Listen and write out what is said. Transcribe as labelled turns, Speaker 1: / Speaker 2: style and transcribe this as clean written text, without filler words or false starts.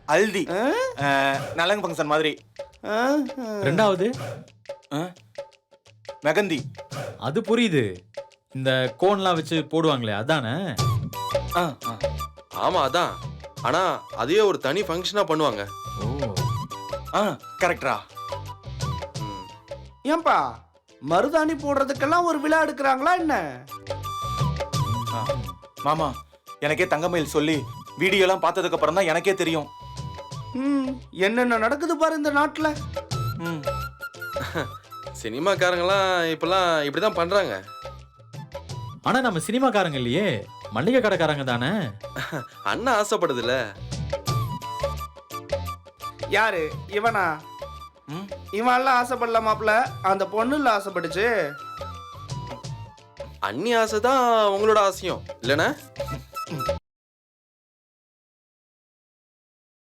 Speaker 1: ஹல்தி நலங்கு ஃபங்க்ஷன் மாதிரி.
Speaker 2: ரெண்டாவது
Speaker 1: மெகந்தி.
Speaker 2: அது புரியுது, இந்த கோன்லாம் வச்சு போடுவாங்களே அதானே?
Speaker 3: ஆமா அதான். ஆனா அதையே ஒரு தனி ஃபங்க்ஷனா பண்ணுவாங்க.
Speaker 2: ஓ
Speaker 1: கரெக்டா?
Speaker 4: ஏன்பா மருதாணி போடுறதுக்கெல்லாம் ஒரு விழா எடுக்கிறாங்களா என்ன?
Speaker 1: மாமா, எனக்கே தங்கமயில் சொல்லி வீடியோலாம் பார்த்ததுக்கு அப்புறம் தான் எனக்கே தெரியும்.
Speaker 4: என்னென்ன நடக்குது பாரு இந்த நாட்டுல.
Speaker 3: சினிமாக்காரங்களாம் இப்பெல்லாம் இப்படிதான் பண்றாங்க.
Speaker 2: ஆனா நம்ம சினிமாக்காரங்க இல்லையே, மளிகை கடைக்காரங்க தானே.
Speaker 3: அண்ணா ஆசைப்படுதுல்ல.
Speaker 4: யாரு இவனா? இவன் எல்லாம் ஆசைப்படல மாப்ள, அந்த பொண்ணுல ஆசைப்பட்டுச்சு.
Speaker 3: அண்ணி ஆசை தான் உங்களோட ஆசையும் இல்லைன்னா?